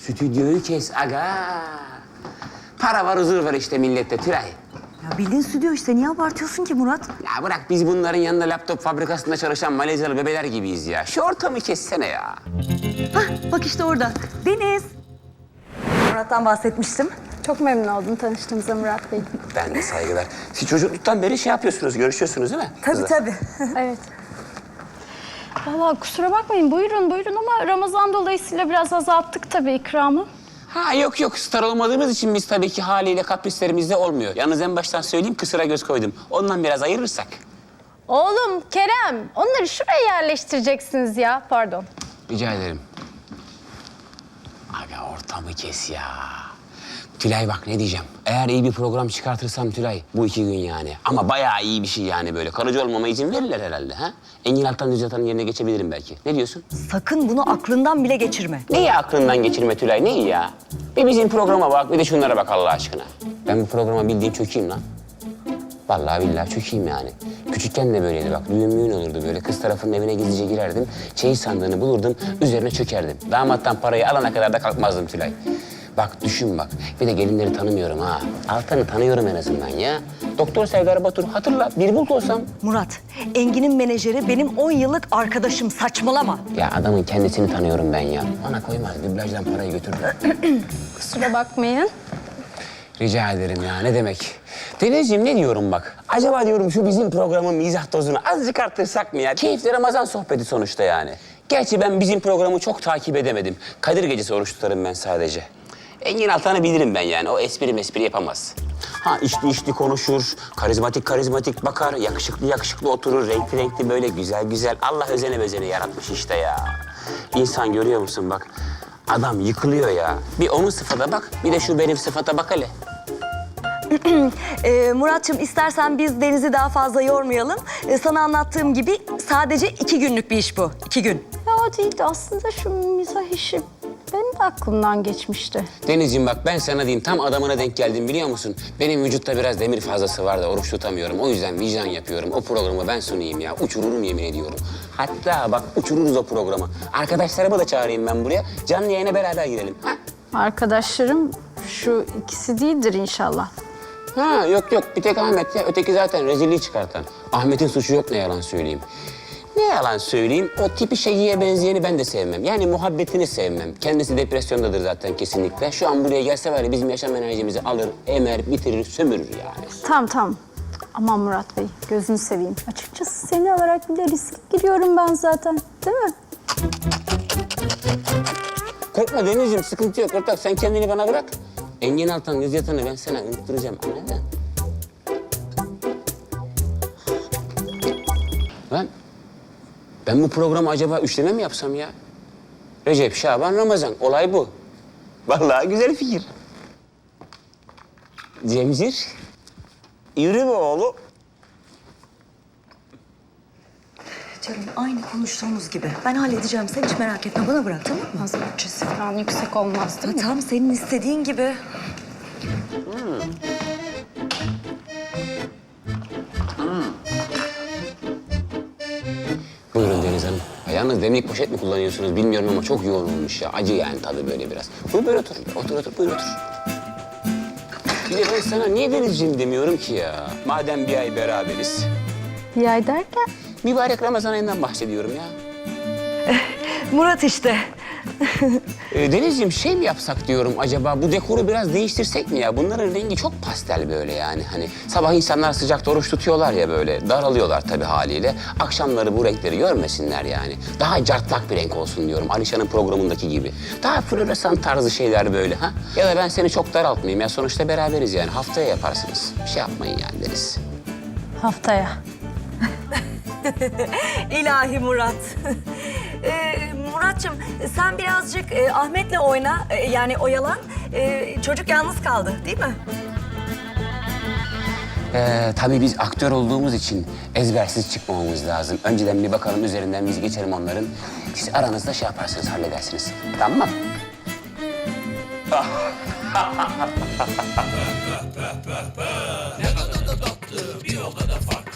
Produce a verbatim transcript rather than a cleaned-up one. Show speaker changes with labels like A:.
A: Stüdyoyu kes aga. Para var, huzur var işte millette Tülay.
B: Ya bildiğin stüdyo işte. Niye abartıyorsun ki Murat?
A: Ya bırak, biz bunların yanında laptop fabrikasında çalışan Malezyalı bebeler gibiyiz ya. Şu ortamı kessene ya.
B: Hah, bak işte orada. Deniz. Murat'tan bahsetmiştim.
C: Çok memnun oldum tanıştığımıza Murat Bey.
A: Ben de saygılar. Siz çocukluktan beri şey yapıyorsunuz, görüşüyorsunuz değil mi?
B: Tabii
A: kızlar?
B: tabii.
C: Evet. Vallahi kusura bakmayın, buyurun buyurun ama Ramazan dolayısıyla biraz azalttık tabii ikramı.
A: Ha yok yok, star olmadığımız için biz tabii ki haliyle kaprislerimizde olmuyor. Yalnız en baştan söyleyeyim, kısıra göz koydum. Ondan biraz ayırırsak.
C: Oğlum Kerem, onları şuraya yerleştireceksiniz ya, pardon.
A: Rica ederim. Aga ortamı kes ya. Tülay bak ne diyeceğim. Eğer iyi bir program çıkartırsam Tülay, bu iki gün yani. Ama bayağı iyi bir şey yani böyle. Kalıcı olmama izin verirler herhalde ha? Engin Altan Düz Atan'ın yerine geçebilirim belki. Ne diyorsun?
B: Sakın bunu aklından bile geçirme.
A: Neyi aklından geçirme Tülay, neyi ya? Bir bizim programa bak, bir de şunlara bak Allah aşkına. Ben bu programa bildiğin çökeyim lan. Vallahi billahi çökeyim yani. Küçükken de böyleydi bak, düğün müğün olurdu böyle. Kız tarafının evine gizlice girerdim, çeyiz sandığını bulurdum, üzerine çökerdim. Damattan parayı alana kadar da kalkmazdım Tülay. Bak düşün bak, bir de gelinleri tanımıyorum ha. Altan'ı tanıyorum en azından ya. Doktor Serdar Batur, hatırla, bir bulut olsam.
B: Murat, Engin'in menajeri benim on yıllık arkadaşım. Saçmalama.
A: Ya adamın kendisini tanıyorum ben ya. Bana koymaz, dublajdan parayı götürür.
C: Kusura bakmayın.
A: Rica ederim ya, ne demek? Denizciğim ne diyorum bak. Acaba diyorum şu bizim programın mizah dozunu azıcık arttırsak mı ya? Keyifli Ramazan sohbeti sonuçta yani. Gerçi ben bizim programı çok takip edemedim. Kadir Gecesi oruç tutarım ben sadece. Engin Altan'ı bilirim ben yani. O espri mespri yapamaz. Ha içli içli konuşur, karizmatik karizmatik bakar, yakışıklı yakışıklı oturur, renkli renkli böyle güzel güzel. Allah özene bezene yaratmış işte ya. İnsan görüyor musun bak. Adam yıkılıyor ya. Bir onun sıfata bak, bir de şu benim sıfata bak hele.
B: Ee, Murat'cığım istersen biz Deniz'i daha fazla yormayalım. Ee, sana anlattığım gibi sadece iki günlük bir iş bu. İki gün.
C: Ya o değil de aslında şu mizah işi benim de aklımdan geçmişti.
A: Denizciğim bak ben sana diyeyim, tam adamına denk geldim biliyor musun? Benim vücutta biraz demir fazlası var da oruç tutamıyorum. O yüzden vicdan yapıyorum. O programı ben sunayım ya. Uçururum yemin ediyorum. Hatta bak uçururuz o programı. Arkadaşlarımı da çağırayım ben buraya. Canlı yayına beraber girelim. Ha?
C: Arkadaşlarım şu ikisi değildir inşallah.
A: Ha yok yok, bir tek Ahmet ya. Öteki zaten rezilliği çıkartan. Ahmet'in suçu yok, ne yalan söyleyeyim. Ne yalan söyleyeyim, o tipi şeyiye benzeyeni ben de sevmem. Yani muhabbetini sevmem. Kendisi depresyondadır zaten kesinlikle. Şu an buraya gelse var ya, bizim yaşam enerjimizi alır, emer, bitirir, sömürür yani.
C: Tamam tamam. Aman Murat Bey, gözünü seveyim. Açıkçası seni alarak bile riske giriyorum ben zaten, değil mi?
A: Korkma Denizciğim, sıkıntı yok ortak. Sen kendini bana bırak. Engin Altan, Düz Yatan'ı ben sana unutturacağım, anladın? Lan, ben bu programı acaba üçleme mi yapsam ya? Recep, Şaban, Ramazan. Olay bu. Vallahi güzel fikir. Cemcir, yürü be oğlum.
B: Canım aynı konuştuğumuz gibi. Ben halledeceğim. Sen hiç merak etme. Bana bırak, tamam mı?
C: Az bütçesi falan yüksek olmaz değil mi?
B: Tam senin istediğin gibi.
A: Buyurun Deniz Hanım. Ha, yalnız demlik poşet mi kullanıyorsunuz bilmiyorum ama çok yoğun olmuş ya. Acı yani tadı böyle biraz. Buyur böyle otur. Otur otur buyur otur. Bir de ben sana niye Denizciğim demiyorum ki ya? Madem bir ay beraberiz.
C: Bir ay derken?
A: Mübarek Ramazan ayından bahsediyorum ya.
B: Murat işte.
A: Ee, Denizciğim şey mi yapsak diyorum acaba, bu dekoru biraz değiştirsek mi ya? Bunların rengi çok pastel böyle yani. Hani sabah insanlar sıcakta oruç tutuyorlar ya böyle. Daralıyorlar tabii haliyle. Akşamları bu renkleri görmesinler yani. Daha cartlak bir renk olsun diyorum. Alişan'ın programındaki gibi. Daha floresan tarzı şeyler böyle ha. Ya da ben seni çok daraltmayayım ya. Sonuçta beraberiz yani. Haftaya yaparsınız. Bir şey yapmayın yani Deniz.
C: Haftaya.
B: İlahi Murat. ee, Murat'cığım sen birazcık e, Ahmet'le oyna. e, yani oyalan. E, çocuk yalnız kaldı değil mi?
A: Ee, tabii biz aktör olduğumuz için ezbersiz çıkmamamız lazım. Önceden bir bakalım üzerinden biz geçelim onların. Siz aranızda şey yaparsınız, halledersiniz. Tamam mı?
D: Ne kadar da tatlı, bir o kadar farklı.